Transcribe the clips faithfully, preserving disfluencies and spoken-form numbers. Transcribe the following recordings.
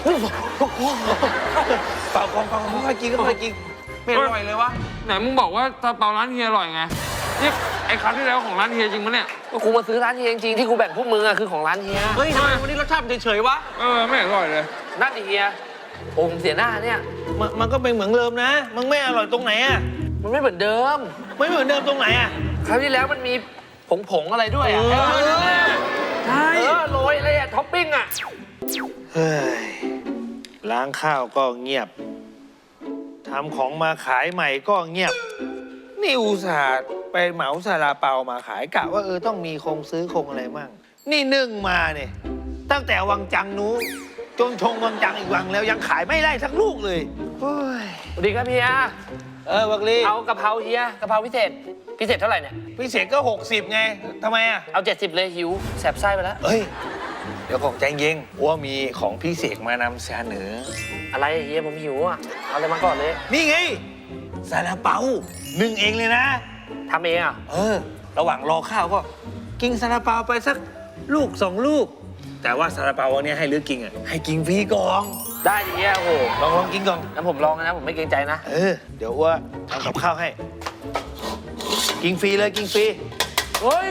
เปล่าของเปล่าค่อยกินก็ค่อยกินไม่อร่อยเลยวะไหนมึงบอกว่าซาลาเปาร้านเฮียอร่อยไงนี่ไอ้ครั้งที่แล้วของร้านเฮียจริงปะเนี่ยกูมาซื้อร้านเฮียจริงๆที่กูแบ่งพวกมึงอะคือของร้านเฮียเฮ้ยทำไมวันนี้รสชาติเฉยๆวะเออไม่อร่อยเลยนั่นดิเฮียโอ้ผมเสียหน้าเนี่ยมันมันก็เป็นเหมือนเดิมนะมันไม่อร่อยตรงไหนอะมันไม่เหมือนเดิมไม่เหมือนเดิมตรงไหนอะคราวที่แล้วมันมีผงผงอะไรด้วยอะใช่เออโรยอะไรอะท็อปปิ้งอะเฮ้ยล้างข้าวก็เงียบทำของมาขายใหม่ก็เงียบนี่อุตส่าห์ไปเหมาซาลาเปามาขายกะว่าเออต้องมีคงซื้อคงอะไรมั่งนี่นึ่งมาเนี่ยตั้งแต่วังจังนู้จนชงวังจังอีกวังแล้วยังขายไม่ได้สักลูกเลยโอ้ยสวัสดีครับเฮียเออวักลีเอากะเพราเฮียกะเพราพิเศษพิเศษเท่าไหร่เนี่ยพิเศษก็หกสิบไงทำไมอ่ะเอาเจ็ดสิบเลยหิวแสบไส้ไปแล้วเฮ้ยเดี๋ยวของใจเย็นว่ามีของพิเศษมานำเสนออะไรเฮียผมหิวอ่ะเอาอะไรมาก่อนเลยนี่ไงซาลาเปานึ่งเองเลยนะทำเองอ่ะเออระหว่างรอข้าวก็กินซาลาเปาไปสักลูกสองลูกแต่ว่าซาลาเปาวันนี้ให้เลือกกินอ่ะให้กินฟรีก่อนได้ดิเฮียโอ้โหลองลองกินก่อนแล้วผมลองนะผมไม่เกรงใจนะเออเดี๋ยวว่าทำกับข้าวให้กินฟรีเลยกินฟรีเฮ้ย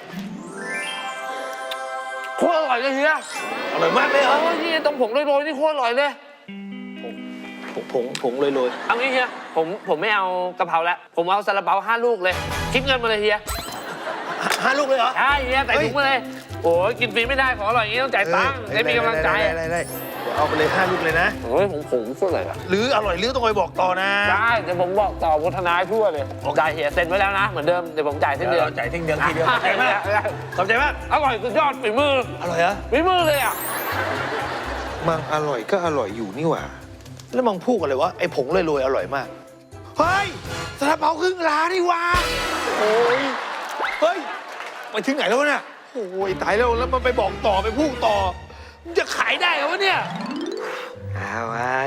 โคตรอร่อยเลยเฮียอร่อยมากเลยเหรอโอ้ยนี่ตรงผงโรยๆนี่โคตรอร่อยเลยผงผงผงโรยๆเอางี้เฮียผมผมไม่เอากะเพราแล้วผมเอาซาลาเปาห้าลูกเลยคิดเงินมาเลยเฮียห้าลูกเลยเหรอใช่เฮียใส่ถุงมาเลยโอ้ยกินฟรีไม่ได้ของอร่อยอย่างนี้ต้องจ่ายตังค์ได้มีกำลังใจได้ได้เอาไปเลยห้าลูกเลยนะโอ้ยผมผมพูดอะไรอ่ะหรืออร่อยหรือต้องคอยบอกต่อนะได้เดี๋ยวผมบอกต่อพัฒนาทั่วเลยจ่ายเฮียเซ็นไว้แล้วนะเหมือนเดิมเดี๋ยวผมจ่ายสิ้นเดือนจ่ายสิ้นเดือนทีเดียวขอบใจมากขอบใจมากอร่อยสุดยอดฝีมืออร่อยเหรอฝีมือเลยอ่ะมันอร่อยก็อร่อยอยู่นี่หว่าแล้วมึงพูดกันเลยวะไอ้ผงโรยๆอร่อยมากเฮ้ยซาลาเปาครึ่งล้านนี่หว่าโอ้ยเฮ้ยไปถึงไหนแล้วเนี่ยโอ้ยตายแล้วแล้วมันไปบอกต่อไปพูดต่อมันจะขายได้เหรอวะเนี่ยเอาไว้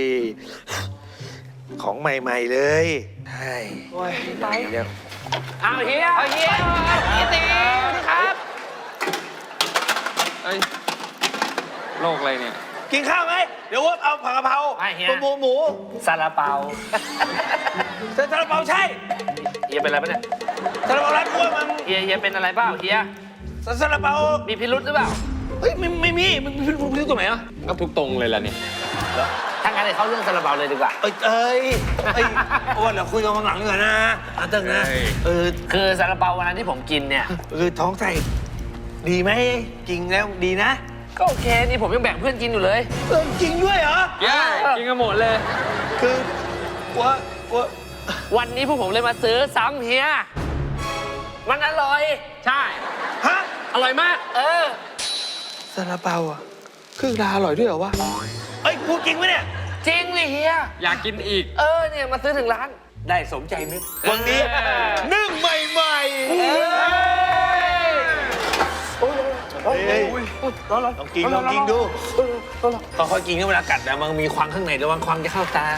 ของใหม่ๆเลยใช่ไปเดี๋ยวเอาเฮียเอาเฮียเฮียตีครับเอ้ยโรคอะไรเนี่ยกินข้าวไหมเดี๋ยวว่าเอาผักกะเพราหมูหมูซาลาเปาซาลาเปาใช่เฮียเป็นอะไรปะเนี่ยซาลาเปาร้านอ้วนมันเฮียเฮียเป็นอะไรเปล่าเฮียซาลาเปามีพิรุธหรือเปล่าเฮ้ยไม่ไม่มีมันมีพิรุธตรงไหนอ่ะก็ทุกตรงเลยล่ะเนี่ยถ้างั้นเดี๋ยวเข้าเรื่องซาลาเปาเลยดีกว่าเอ้ยเอ้ยเอ้ยอ้วนเดี๋ยวคุยกันข้างหลังดีกว่านะอาตึงนะเออคือซาลาเปาวันนั้นที่ผมกินเนี่ยคือท้องใส่ดีไหมจริงแล้วดีนะก็โอเคนี่ผมยังแบ่งเพื่อนกินอยู่เลยเออจริงด้วยเหรอใช่กินกันหมดเลยคือว่าว่าวันนี้พวกผมเลยมาซื้อซ้ำเฮียมันอร่อยใช่ฮะอร่อยมากเออซาลาเปาอ่ะครึ่งดาอร่อยด้วยเหรอวะเอ้ยพูดจริงไหมเนี่ยจริงเลยเฮียอยากกินอีกเออเนี่ยมาซื้อถึงร้านได้สมใจนึกวันนี้นึ่งใหม่ๆเฮ้ยลองกินลองกินดูค่อยๆกินเวลากัดนะมันมีควันข้างในระวังควันจะเข้าตา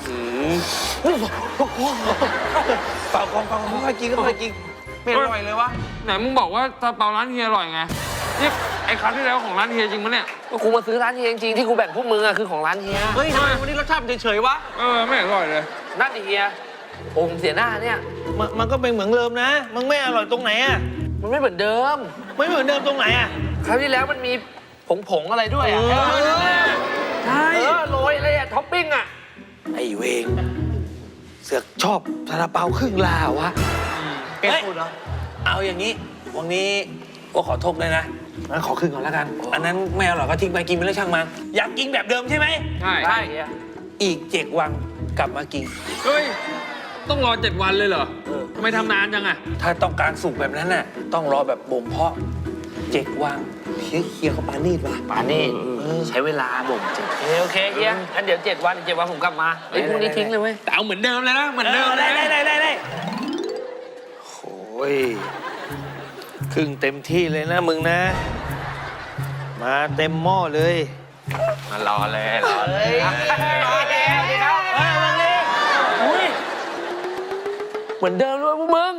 เปล่าของเปล่าค่อยๆกินก็ค่อยๆกินไม่อร่อยเลยวะไหนมึงบอกว่าซาลาเปาร้านเฮียอร่อยไงนี่ไอ้ครั้งที่แล้วของร้านเฮียจริงปะเนี่ยกูมาซื้อร้านเฮียจริงๆที่กูแบ่งพวกมึงอะคือของร้านเฮียเฮ้ยทำไมวันนี้รสชาติเฉยๆวะเออไม่อร่อยเลยนั่นดิเฮียโอ้ผมเสียหน้าเนี่ยมันมันก็เป็นเหมือนเดิมนะมันไม่อร่อยตรงไหนอะมันไม่เหมือนเดิมไม่เหมือนเดิมตรงไหนอะคราวที่แล้วมันมีผงผงอะไรด้วยอะใช่เออโรยอะไรอะท็อปปิ้งอะไอเวงเสือกชอบซาลาเปาครึ่งลาวะเฮ้ยเอาอย่างนี้วันนี้ก็ขอโทษเลยนะงั้นขอครึ่งก่อนแล้วกันอันนั้นไม่อร่อยก็ทิ้งไปกินไปแล้วช่างมันอยากกินแบบเดิมใช่ไหมใช่ใช่อีกเจ็ดวันกลับมากินเฮ้ยต้องรอเจ็ดวันเลยเหรอทำไมทำนานจังอะถ้าต้องการสุกแบบนั้นน่ะต้องรอแบบบ่มเพาะเจ็ดวันเฮียเฮียเขาปานีดว่ะปานีดใช้เวลาบ่มเจ็ดโอเคเฮียงั้นเดี๋ยวเจ็ดวันเจ็ดวันผมกลับมาไอ้พวกนี้ทิ้งเลยเว้ยแต่เอาเหมือนเดิมเลยนะเหมือนเดิมได้ได้ได้ได้โอ้ยครึ่งเต็มที่เลยนะมึงนะมาเต็มหม้อเลยมารอเลยรอเลยรอแล้วดีครับเฮ้ยมึงเลยอุ้ยเหมือนเดิมด้วยพวกมึง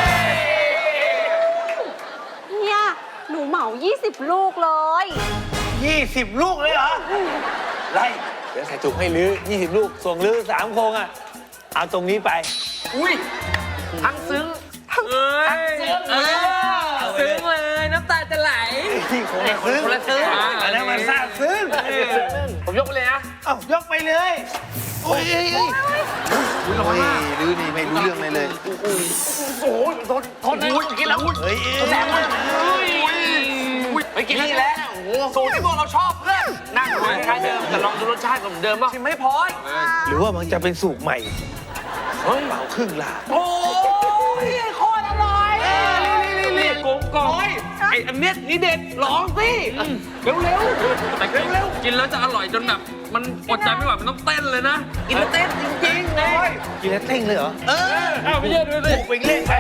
เฮียหนูเหมายี่สิบลูกเลยยี่สิบลูกเลยเหรอไล่เดี๋ยวใส่ถุงให้ลื้อยี่สิบลูกส่งลื้อสามโครงอ่ะเอาตรงนี้ไปอุ้ยทั้งซึ้งเอ้ยเออซึ้งเลยน้ำตาจะไหลที่คนละซึ้งคนละซึ้งอันนั้นมันซาบซึ้งผมยกไปเลยนะเอ้ายกไปเลยโอ้ยเอ้ยเอ้ยโอ้ยลื้อนี่ไม่รู้เรื่องเลยเลยโอ้ยทนทนเลยกินแล้วเฮ้ยเอ้ยแสบมากไปกินนี่แหละสูตรที่พวกเราชอบเพื่อนนั่งทานคล้ายเดิมแต่ลองดูรสชาติเหมือนเดิมป่ะชิมไม่พอหรือว่ามันจะเป็นสูตรใหม่เฮ้ยเป่าครึ่งลาโอ้ยโคตรอร่อยนี่กลมกล่อมไออันเนี้ยนี่เด็ดลองสิเร็วเร็วแต่เร็วๆกินแล้วจะอร่อยจนแบบมันอดใจไม่ไหวมันต้องเต้นเลยนะกินเต้นจริงๆเลยกินแล้วเต้งเลยเหรอ เอออ้าวไม่เชื่อดูสิไปเล่นไป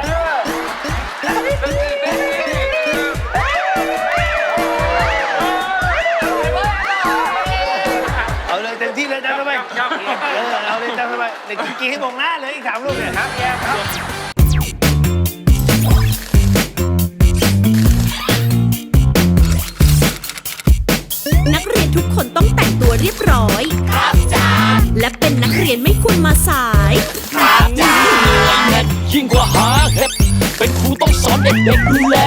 เอาเลยเต็มที่เลยจ้าทำไมเออเอาเลยจ้าทำไมเด็กกินให้มองหน้าเลยอีกสามลูกเนี่ยครับแย่ครับนักเรียนทุกคนต้องแต่งตัวเรียบร้อย ครับจ้าและเป็นนักเรียนไม่ควรมาสายยิ่งกว่าหาเห็ดเป็นครูต้องสอนเด็กๆดูแล